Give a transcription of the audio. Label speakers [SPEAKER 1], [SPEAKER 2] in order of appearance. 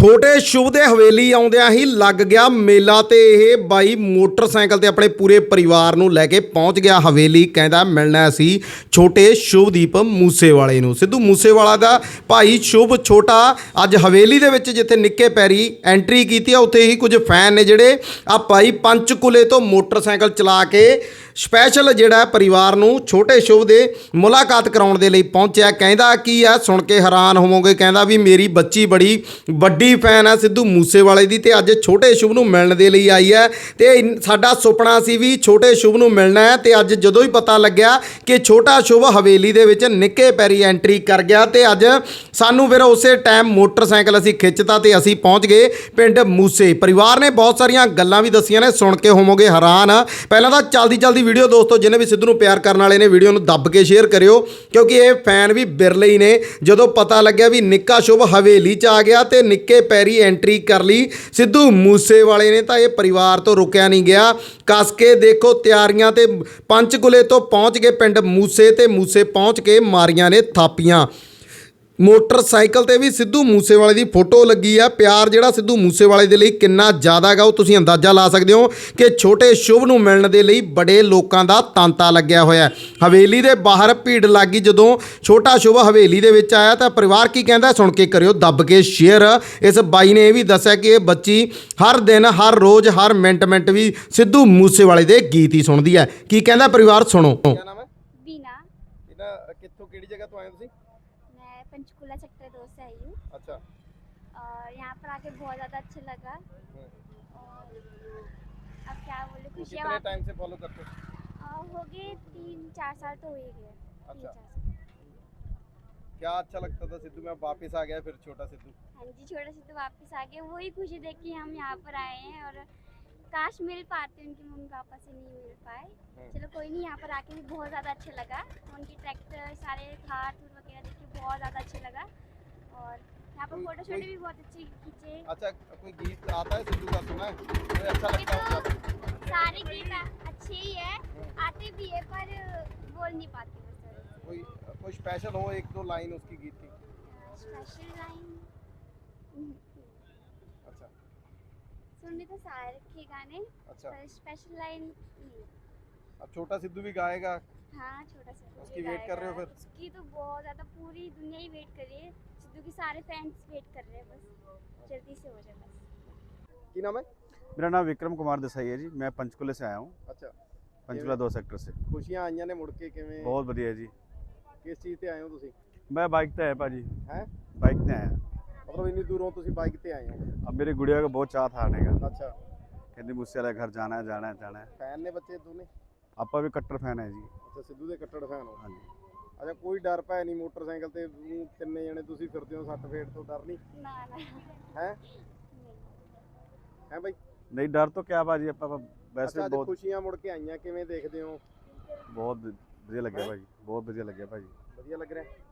[SPEAKER 1] ਛੋਟੇ ਸ਼ੁਭ ਦੇ ਹਵੇਲੀ ਆਉਂਦਿਆਂ ਹੀ ਲੱਗ ਗਿਆ ਮੇਲਾ ਤੇ ਇਹ ਬਾਈ ਮੋਟਰਸਾਈਕਲ ਤੇ ਆਪਣੇ ਪੂਰੇ ਪਰਿਵਾਰ ਨੂੰ ਲੈ ਕੇ ਪਹੁੰਚ ਗਿਆ ਹਵੇਲੀ। ਕਹਿੰਦਾ ਮਿਲਣਾ ਸੀ ਛੋਟੇ ਸ਼ੁਭਦੀਪ ਮੂਸੇਵਾਲੇ ਨੂੰ। ਸਿੱਧੂ ਮੂਸੇਵਾਲਾ ਦਾ ਭਾਈ ਸ਼ੁਭ ਛੋਟਾ ਅੱਜ ਹਵੇਲੀ ਦੇ ਵਿੱਚ ਜਿੱਥੇ ਨਿੱਕੇ ਪੈਰੀ ਐਂਟਰੀ ਕੀਤੀ ਆ, ਉੱਥੇ ਹੀ ਕੁਝ ਫੈਨ ਨੇ ਜਿਹੜੇ ਆ ਭਾਈ ਪੰਚਕੂਲੇ ਤੋਂ ਮੋਟਰਸਾਈਕਲ ਚਲਾ ਕੇ ਸਪੈਸ਼ਲ ਜਿਹੜਾ ਪਰਿਵਾਰ ਨੂੰ ਛੋਟੇ ਸ਼ੁਭ ਦੇ ਮੁਲਾਕਾਤ ਕਰਾਉਣ ਦੇ ਲਈ ਪਹੁੰਚਿਆ। ਕਹਿੰਦਾ ਕੀ ਆ, ਸੁਣ ਕੇ ਹੈਰਾਨ ਹੋਵੋਗੇ। ਕਹਿੰਦਾ ਵੀ ਮੇਰੀ ਬੱਚੀ ਬੜੀ ਵੱਡੀ ਫੈਨ ਆ ਸਿੱਧੂ ਮੂਸੇਵਾਲੇ ਦੀ ਤੇ ਅੱਜ ਛੋਟੇ ਸ਼ੁਭ ਨੂੰ ਮਿਲਣ ਦੇ ਲਈ ਆਈ ਹੈ ਤੇ ਸਾਡਾ ਸੁਪਨਾ ਸੀ ਵੀ ਛੋਟੇ ਸ਼ੁਭ ਨੂੰ ਮਿਲਣਾ ਹੈ। ਤੇ ਅੱਜ ਜਦੋਂ ਹੀ ਪਤਾ ਲੱਗਿਆ ਕਿ ਛੋਟਾ ਸ਼ੁਭ ਹਵੇਲੀ ਦੇ ਵਿੱਚ ਨਿੱਕੇ ਪੈਰੀ ਐਂਟਰੀ ਕਰ ਗਿਆ ਤੇ ਅੱਜ ਸਾਨੂੰ ਫਿਰ ਉਸੇ ਟਾਈਮ ਮੋਟਰਸਾਈਕਲ ਅਸੀਂ ਖਿੱਚਤਾ ਤੇ ਅਸੀਂ ਪਹੁੰਚ ਗਏ ਪਿੰਡ ਮੂਸੇ। ਪਰਿਵਾਰ ਨੇ ਬਹੁਤ ਸਾਰੀਆਂ ਗੱਲਾਂ ਵੀ ਦੱਸੀਆਂ ਨੇ, ਸੁਣ ਕੇ ਹੋਵੋਗੇ ਹੈਰਾਨ। ਪਹਿਲਾਂ ਤਾਂ ਚਲਦੀ ਵੀਡੀਓ ਦੋਸਤੋ ਜਿਹਨੇ ਵੀ ਸਿੱਧੂ ਨੂੰ ਪਿਆਰ ਕਰਨ ਵਾਲੇ ਨੇ ਵੀਡੀਓ ਨੂੰ ਦੱਬ ਕੇ ਸ਼ੇਅਰ ਕਰਿਓ, ਕਿਉਂਕਿ ਇਹ ਫੈਨ ਵੀ ਬਿਰਲੇ ਹੀ ਨੇ। ਜਦੋਂ ਪਤਾ ਲੱਗਿਆ ਵੀ ਨਿੱਕਾ ਸ਼ੁਭ ਹਵੇਲੀ 'ਚ ਆ ਗਿਆ ਤੇ ਨਿੱਕੇ ਪੈਰੀ ਐਂਟਰੀ ਕਰ ਲਈ ਸਿੱਧੂ ਮੂਸੇਵਾਲੇ ਨੇ, ਤਾਂ ਇਹ ਪਰਿਵਾਰ ਤੋਂ ਰੁਕਿਆ ਨਹੀਂ ਗਿਆ। ਕੱਸ ਕੇ ਦੇਖੋ ਤਿਆਰੀਆਂ ਤੇ ਪੰਚਕੂਲੇ ਤੋਂ ਪਹੁੰਚ ਗਏ ਪਿੰਡ ਮੂਸੇ ਤੇ ਮੂਸੇ ਪਹੁੰਚ ਕੇ ਮਾਰੀਆਂ ਨੇ ਥਾਪੀਆਂ। ਮੋਟਰਸਾਈਕਲ ਤੇ ਵੀ ਸਿੱਧੂ ਮੂਸੇਵਾਲੇ ਦੀ ਫੋਟੋ ਲੱਗੀ ਆ। ਪਿਆਰ ਜਿਹੜਾ ਸਿੱਧੂ ਮੂਸੇਵਾਲੇ ਦੇ ਲਈ ਕਿੰਨਾ ਜ਼ਿਆਦਾ ਹੈਗਾ ਉਹ ਤੁਸੀਂ ਅੰਦਾਜ਼ਾ ਲਾ ਸਕਦੇ ਹੋ ਕਿ ਛੋਟੇ ਸ਼ੁਭ ਨੂੰ ਮਿਲਣ ਦੇ ਲਈ ਬੜੇ ਲੋਕਾਂ ਦਾ ਤਾਂਤਾ ਲੱਗਿਆ ਹੋਇਆ। ਹਵੇਲੀ ਦੇ ਬਾਹਰ ਭੀੜ ਲੱਗੀ ਜਦੋਂ ਛੋਟਾ ਸ਼ੁਭ ਹਵੇਲੀ ਦੇ ਵਿੱਚ ਆਇਆ। ਤਾਂ ਪਰਿਵਾਰ ਕੀ ਕਹਿੰਦਾ ਸੁਣ ਕੇ ਕਰਿਓ ਦੱਬ ਕੇ ਸ਼ੇਅਰ। ਇਸ ਬਾਈ ਨੇ ਇਹ ਵੀ ਦੱਸਿਆ ਕਿ ਇਹ ਬੱਚੀ ਹਰ ਦਿਨ ਹਰ ਰੋਜ਼ ਹਰ ਮਿੰਟ ਵੀ ਸਿੱਧੂ ਮੂਸੇਵਾਲੇ ਦੇ ਗੀਤ ਹੀ ਸੁਣਦੀ ਹੈ। ਕੀ ਕਹਿੰਦਾ ਪਰਿਵਾਰ ਸੁਣੋ।
[SPEAKER 2] क्या नाम है?
[SPEAKER 3] बीना।
[SPEAKER 2] इना कित्थों केड़ी जगह तो आए हो तुसी?
[SPEAKER 3] मैं पंचकूला सेक्टर 2 से आई हूँ
[SPEAKER 2] अच्छा।
[SPEAKER 3] और यहाँ पर आके बहुत ज़्यादा अच्छा लगा। और अब क्या बोले,
[SPEAKER 2] तो
[SPEAKER 3] खुशियाँ
[SPEAKER 2] कितने टाइम से फॉलो करते हो?
[SPEAKER 3] हो गए 3-4 साल तो हो ही गए।
[SPEAKER 2] अच्छा। क्या अच्छा लगता था सिद्धू में, अब वापस आ गया फिर छोटा सिद्धू?
[SPEAKER 3] हाँ जी, छोटा से तो वापस आ गए। वही खुशी देख के हम यहाँ पर आए हैं। और काश मिल पाते, उनके मम्मी पापा से नहीं मिल पाए। चलो कोई नहीं, यहाँ पर आके भी बहुत ज़्यादा अच्छा लगा। उनके ट्रैक्टर सारे थार थूर वगैरह देख के बहुत ज़्यादा अच्छा लगा। और यहाँ पर फोटो शोटो भी बहुत अच्छे खींचे।
[SPEAKER 2] अच्छा, कोई गीत आता है सिद्धू का, सुना है कोई अच्छा
[SPEAKER 3] ये
[SPEAKER 2] लगता है
[SPEAKER 3] तो
[SPEAKER 2] उसका?
[SPEAKER 3] सारे गीत अच्छे ही है, आते भी है पर बोल नहीं पाते बस।
[SPEAKER 2] कोई स्पेशल हो, एक दो लाइन उसकी गीत की?
[SPEAKER 3] स्पेशल लाइन
[SPEAKER 2] अच्छा
[SPEAKER 3] सुनने तो सारे रखे गाने,
[SPEAKER 2] अच्छा।
[SPEAKER 3] पर स्पेशल लाइन नहीं।
[SPEAKER 2] अब छोटा सिद्धू भी गाएगा?
[SPEAKER 3] हाँ, छोटा सा
[SPEAKER 2] उसकी वेट कर रहे हो फिर?
[SPEAKER 3] उसकी तो बहुत ज़्यादा पूरी दुनिया ही वेट कर रही है। सिद्धू के सारे फैंस वेट कर रहे हैं, बस जल्दी से हो जाए बस।
[SPEAKER 2] की नाम है?
[SPEAKER 4] मेरा नाम विक्रम कुमार देसाई है जी। मैं पंचकूले से आया हूँ,
[SPEAKER 2] अच्छा।
[SPEAKER 4] पंचकूला 2 सेक्टर से।
[SPEAKER 2] खुशियां आईਆਂ ਨੇ ਮੁੜ ਕੇ ਕਿਵੇਂ?
[SPEAKER 4] बहुत बढ़िया जी।
[SPEAKER 2] ਕਿਸ ਚੀਜ਼ ਤੇ ਆਏ ਹੋ ਤੁਸੀਂ?
[SPEAKER 4] मैं बाइक पे आया भाजी,
[SPEAKER 2] हैं?
[SPEAKER 4] बाइक पे आया।
[SPEAKER 2] मतलब ਇੰਨੀ ਦੂਰੋਂ ਤੁਸੀਂ ਬਾਈਕ ਤੇ ਆਏ ਹੋ?
[SPEAKER 4] अब मेरी गुड़िया का बहुत चाह था आने का,
[SPEAKER 2] अच्छा।
[SPEAKER 4] कहती मुझसे वाला घर जाना है जाना है जाना है।
[SPEAKER 2] ਫੈਨ ਨੇ ਬੱਚੇ ਦੋਨੇ?
[SPEAKER 4] आपा भी कट्टर फैन है जी।
[SPEAKER 2] ਅੱਛਾ, ਸਿੱਧੂ ਦੇ ਕੱਟੜ ਫੈਨ ਹੋ?
[SPEAKER 4] हाँ जी।
[SPEAKER 2] ਅੱਛਾ, ਕੋਈ ਡਰ ਭੈ ਨਹੀਂ ਮੋਟਰਸਾਈਕਲ ਤੇ ਤਿੰਨੇ ਜਣੇ ਤੁਸੀਂ ਫਿਰਦੇ ਹੋ, ਸੱਟ ਫੇਟ ਤੋਂ ਡਰ ਨਹੀਂ
[SPEAKER 3] ना ना
[SPEAKER 2] ਹੈ?
[SPEAKER 3] नहीं।
[SPEAKER 2] ਹੈ ਬਾਈ?
[SPEAKER 4] नहीं डर तो क्या भाजी, आपा वैसे
[SPEAKER 2] ਅੱਛਾ, ਅੱਜ
[SPEAKER 4] बहुत
[SPEAKER 2] ਖੁਸ਼ੀਆਂ ਮੁੜ ਕੇ ਆਈਆਂ, ਕਿਵੇਂ ਦੇਖਦੇ ਹੋ?
[SPEAKER 4] बहुत बढ़िया लगे भाजी, बहुत बढ़िया लगे भाजी।
[SPEAKER 2] ਵਧੀਆ ਲੱਗ ਰਿਹਾ?